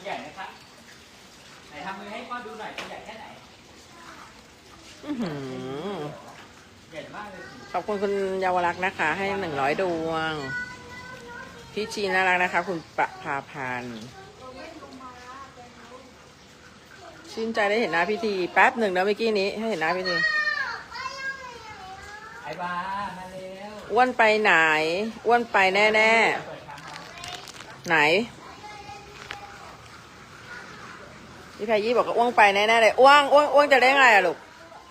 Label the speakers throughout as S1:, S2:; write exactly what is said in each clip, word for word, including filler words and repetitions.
S1: ใหญ่นะครับไหนทำมือให้พ่อดูหน่อยตัวใหญ่แค่ไหนใหญ่มากเลย
S2: ขอบคุณคุณเยาวรักษ์นะคะ ให้หนึ่งร้อยดวงพี่ชีน่ารักนะคะ คุณประภาพันธ์ชื่นใจได้เห็นหน้าพิธีแป๊บหนึ่งนะเมื่อกี้นี้ให้เห็นหน้าพิธี
S1: ไอ้บ้ามาเร็ว
S2: อ้วนไปไหนอ้วนไปแน่แน่ไหนพี่พายี่บอกว่าอ้วงไปแน่แน่เลยอ้วงอ้วงอ้วงจะได้ไงอะลูก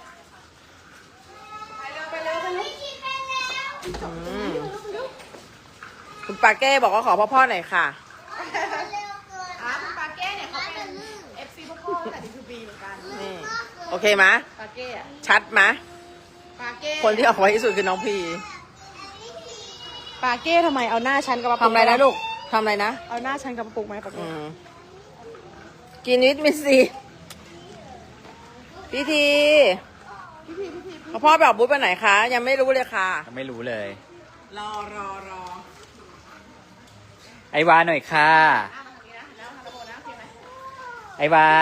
S2: คุณปาเก้บอกว่าขอพ่อพ่อหน่อยค่ะ
S3: อ่ะคุณปาเก้เนี่ยเขาเป็น เอฟ ซี พ่อพ่อแต่ดีทูบีเหมือนกัน
S2: นี่โอเคไหม
S3: ปาเก้อะ
S2: ชัดไหม
S3: ปาเก้
S2: คนที่ออกไว้ที่สุดคือน้องพี
S3: ปาเก้ทำไมเอาหน้าฉันกับปา
S2: ทำอะไรนะลูกทำอะไรนะ
S3: เอาหน้าฉันกับปาปุกไหมปาเก้
S2: กินวิตมินซีพี่ทีพ่อไปออกบูธไปไหนคะยังไม่รู้เลยค่ะ
S1: ยังไม่รู้เลย
S2: รอรอรอ
S1: ไอวาหน่อยค่ะไอวา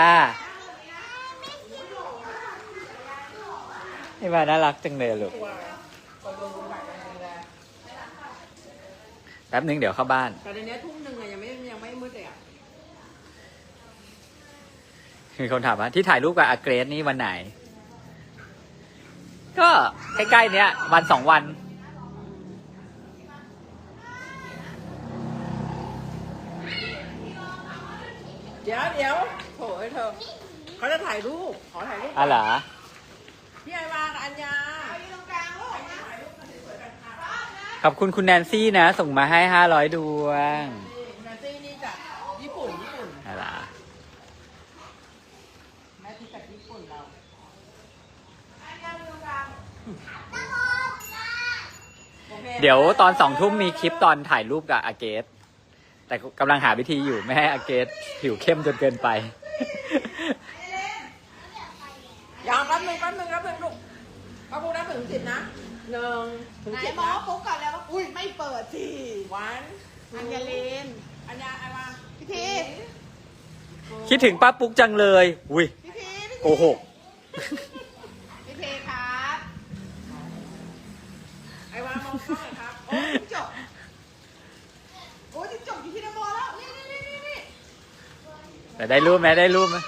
S1: ไอวาน่ารักจังเลยลูกแป๊บนึงเดี๋ยวเข้าบ้าน
S2: แต่ในนี้ทุ่มหนึ่งอะยังไม่ยังไม่มืดเลยอะ
S1: มีคนถามว่าที่ถ่ายรูปกับอาเกรสนี่วันไหนก็ใกล้ๆเนี้ยวันสองวัน
S2: เดี๋ยวเดี๋ยวโถ่เธอเขาจะถ่ายรูปขอถ่ายรูป
S1: อ๋อเหรอ
S2: พี่ไอวากับอัญญา
S1: ขอบคุณคุณแนนซี่นะส่งมาให้ห้าร้อยดวง
S2: แนนซี่นี่จากญี่ปุ่นญี่ปุ่น
S1: อะไร
S2: แม่ที่จากญี่ปุ่นเรา
S1: เดี๋ยวตอนสองทุ่มมีคลิปตอนถ่ายรูปกับอาเกสแต่กำลังหาวิธีอยู่ไม่ให้อาเกสผิวเข้มจนเกินไป
S2: อย่าแป๊บนึงแป๊บนึงแป๊บนึงลูกป้าปุ๊กนับถึงสิบนะหนึ่งถึงสิบนะ
S3: หมอปุ๊กก่อนแล้วว่าอุ้ยไม่เปิดที
S2: วัน
S3: อัญญาเลน
S2: อัญญาไอวา
S3: พี่ที
S1: คิดถึงป้าปุ๊กจังเลยอุ้ย
S3: พี่ที
S1: โกหก
S3: พี่ทีครับ
S2: ไอวามองกล้องหน่อยครับ
S3: โอ้ยจบโอ้ยจบอยู่ที่นโมแล้วนี่นี่นี่นี่นี่
S1: แต่ได้รูปไหมได้รูปไหม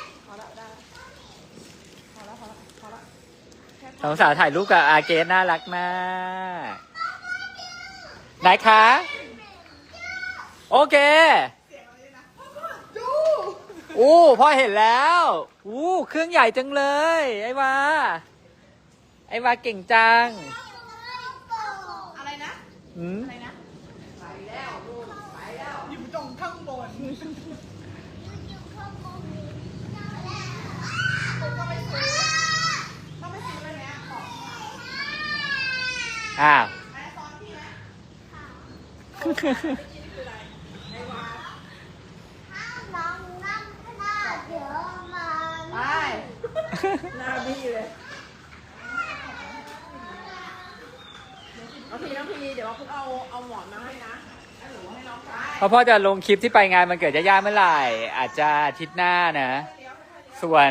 S1: สองสาวถ่ายรูปกับอาเกสน่ารักมากไหนคะโอเคอู้พ่อเห็นแล้วอู้เครื่องใหญ่จังเลยไอ้วาไอ้วาเก่งจัง
S3: อะไรนะ
S1: อืม
S3: อะไรนะไปแล้วลูกไปแล้วอยู่ตรงข้างบน
S1: อ้าว
S2: ไปหน้าบี้เลยน้องพีน้องพีเดี๋ยวพวกเอาเอาหมอนมาให้นะให้หนูให้น้อง
S1: เพราะพ่อจะลงคลิปที่ไปงานมันเกิดย่าๆเมื่อไหร่อาจจะอาทิตย์หน้านะส่วน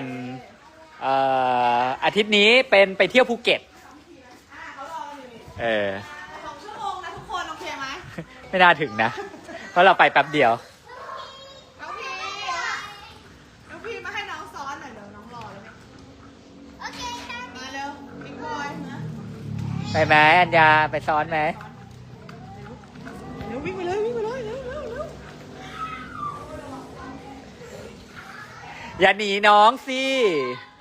S1: อาทิตย์นี้เป็นไปเที่ยวภูเก็ตเออ
S3: สองชั่วโมงนะทุกคนโอเคไหม
S1: ไม่น่าถึงนะเพราะเราไปแป๊บเดียว
S3: น้องพีน้องพีมาให้น้องซ้อนหน่อยเดี๋ยวน้องรอเลยโอเคมาเร็วบิ๊กบอยนะ
S1: ไปไหมอัญญาไปซ้อนไหม
S3: เร็ววิ่งไปเลยวิ่งไปเลยเร็วเร็วเร็ว
S1: อย่าหนีน้องสิ